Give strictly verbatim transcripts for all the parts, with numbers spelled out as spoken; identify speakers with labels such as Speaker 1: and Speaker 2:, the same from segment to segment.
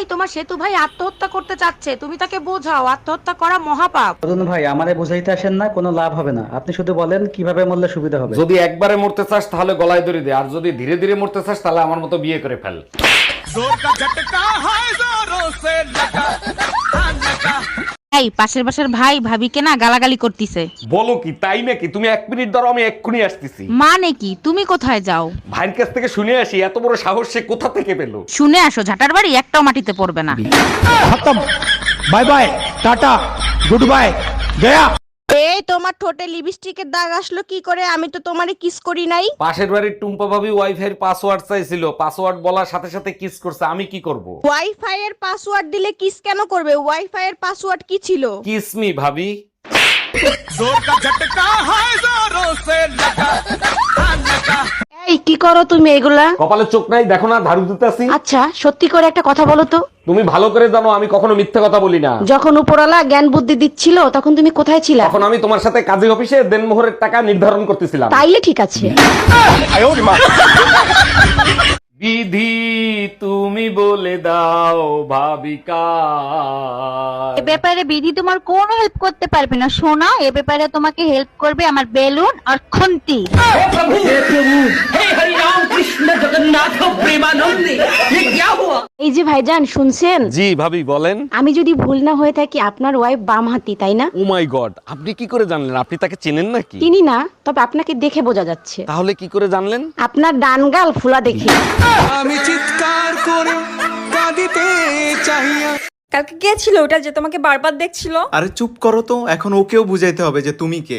Speaker 1: তোমার সেতু ভাই আত্মহত্যা করতে চাচ্ছে, তুমি তাকে বোঝাও আত্মহত্যা করা মহাপাপ।
Speaker 2: অরুণ ভাই আমারে বুঝাইতে আসেন না, কোনো লাভ হবে না। আপনি শুধু বলেন কিভাবে মরলে সুবিধা হবে।
Speaker 3: যদি একবারে মরতে চাস তাহলে গলায় দড়ি দে, আর যদি ধীরে ধীরে মরতে চাস তাহলে আমার মতো বিয়ে করে ফেল।
Speaker 1: এই পাশের বাসার ভাই ভাবিকে না গালাগালি করতিছে।
Speaker 3: বলো কি, তাই নাকি? তুমি এক মিনিট ধরো, আমি এক্ষুনি আসতেছি।
Speaker 1: মানে কি, তুমি কোথায় যাও?
Speaker 3: ভাইয়ের কাছ থেকে শুনে আসি এত বড় সাহস সে কোথা থেকে পেলো।
Speaker 1: শুনে আসো, ঝাটার বাড়ি একটাও মাটিতে পড়বে না।
Speaker 4: Bye bye, tata, good bye, গয়া।
Speaker 5: এই তোমার ঠোঁটে লিপস্টিকের দাগ আসলো কি করে? আমি তো তোমারে কিস করি নাই।
Speaker 3: পাশের বাড়ির টুম্পা ভাবি ওয়াইফাই এর পাসওয়ার্ড চাইছিল, পাসওয়ার্ড বলার সাথে সাথে কিস করছে, আমি কি করব?
Speaker 5: ওয়াইফাই এর পাসওয়ার্ড দিলে কিস কেন করবে? ওয়াইফাই এর পাসওয়ার্ড কি ছিল?
Speaker 3: কিস মি ভাবি।
Speaker 1: এই কি করো তুমি এগুলা?
Speaker 3: কপালে চোখ নাই দেখো না, ঝাড়ু দিতেছি।
Speaker 1: আচ্ছা সত্যি করে একটা কথা বলো তো,
Speaker 3: তুমি ভালো করে জানো আমি কখনো মিথ্যে কথা বলি না।
Speaker 1: যখন উপরওয়ালা জ্ঞান বুদ্ধি দিচ্ছিল তখন তুমি কোথায় ছিলা?
Speaker 3: তখন আমি তোমার সাথে কাজী অফিসে দেনমোহরের টাকা নির্ধারণ করতেছিলাম।
Speaker 1: তাইলে ঠিক আছে।
Speaker 3: বিধি তুমি বলে দাও ভাবিকা।
Speaker 6: এ ব্যাপারে বিধি তোমার কোনো হেল্প করতে পারবে না সোনা, এ ব্যাপারে তোমাকে হেল্প করবে আমার বেলুন আর খুন্তি।
Speaker 1: এই যে ভাইজান শুনছেন?
Speaker 3: জি ভাবি বলেন।
Speaker 1: আমি যদি ভুল না হয়ে থাকি আপনার ওয়াইফ বাম হাতি, তাই না?
Speaker 3: ও মাই গড, আপনি কি করে জানলেন? আপনি তাকে চেনেন নাকি?
Speaker 1: চিনি না, তবে আপনাকে দেখে বোঝা যাচ্ছে।
Speaker 3: তাহলে কি করে জানলেন?
Speaker 1: আপনার ডান গাল ফুলা দেখে।
Speaker 4: আমি চিৎকার করে কাঁদিতে চাহিয়া।
Speaker 5: কালকে কে ছিল ওটা যে তোমাকে বারবার দেখছিল?
Speaker 7: আরে চুপ করো তো, এখন ওকেও বুঝাইতে হবে যে তুমি কে।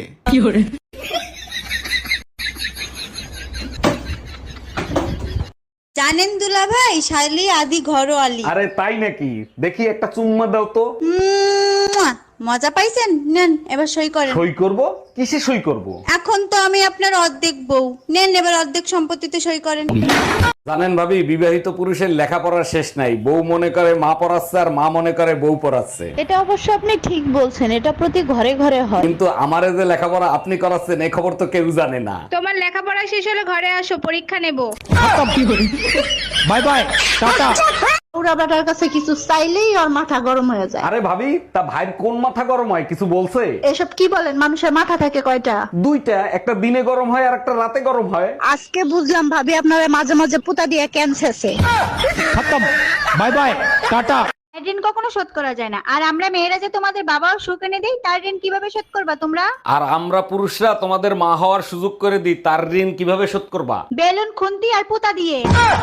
Speaker 8: জানেন দুলা ভাই, শাইলি আদি ঘরোয়ালি।
Speaker 3: আরে তাই নাকি? দেখি একটা চুম্মা দাও তো।
Speaker 8: মুয়া! মজা পাইছেন? নেন এবার সই করেন।
Speaker 3: সই করব? কিসে সই করব?
Speaker 8: এখন তো আমি আপনার অর্ধেক বউ, নেন এবার অর্ধেক সম্পত্তিতে সই করেন।
Speaker 3: জানেন ভাবি, বিবাহিত পুরুষের লেখাপড়ার শেষ নাই। বউ মনে করে মা পড়াচ্ছে আর মা মনে করে বউ পড়াচ্ছে।
Speaker 6: এটা অবশ্য আপনি ঠিক বলছেন, এটা প্রতি ঘরে ঘরে হয়।
Speaker 3: কিন্তু আমারে যে লেখাপড়া আপনি করাচ্ছেন এই খবর তো কেউ জানে না।
Speaker 9: তোমার লেখাপড়া শেষ হলে ঘরে আসো, পরীক্ষা নেব।
Speaker 4: Bye bye, tata.
Speaker 6: ওরা বেটার কাছে কিছু চাইলেই ওর মাথা গরম হয়ে যায়।
Speaker 3: আরে ভাবি, তা ভাইয়ের কোন মাথা গরম হয় কিছু বলছে?
Speaker 6: এসব কি বলেন, মানুষের মাথা থাকে কয়টা?
Speaker 3: দুইটা, একটা দিনে গরম হয় আর একটা রাতে গরম হয়।
Speaker 6: আজকে বুঝলাম ভাবি আপনারা মাঝে মাঝে পুতা দিয়ে ক্যান্সারছে।
Speaker 4: খতম, বাই বাই, টাটা।
Speaker 6: ঋণ কখনো শোধ করা যায় না, আর আমরা মেয়েরা যে তোমাদের বাবাও সুখ এনে দেই, তার ঋণ কিভাবে শোধ করবা তোমরা?
Speaker 3: আর আমরা পুরুষরা তোমাদের মা হওয়ার সুযোগ করে দিই, তার ঋণ কিভাবে শোধ করবা?
Speaker 6: বেলুন খুন্তি আর পুতা দিয়ে।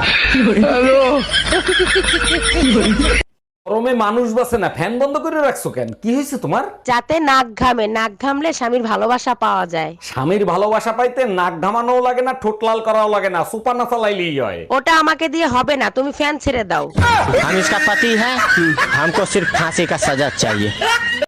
Speaker 3: গরমে মানুষ বাসে না, ফ্যান বন্ধ করে রাখছো কেন? কি হয়েছে তোমার?
Speaker 1: যাতে নাক ঘামে, নাক ঘামলে স্বামীর ভালোবাসা পাওয়া যায়।
Speaker 3: স্বামীর ভালোবাসা পাইতে নাক ঘামানোও লাগে না, ঠোঁট লাল করাও লাগে না, সুপার না চালাইলেই হয়।
Speaker 1: ওটা আমাকে দিয়ে হবে না, তুমি ফ্যান ছেড়ে দাও।
Speaker 4: हम इसका पति है, हमको सिर्फ फांसी का सजा चाहिए।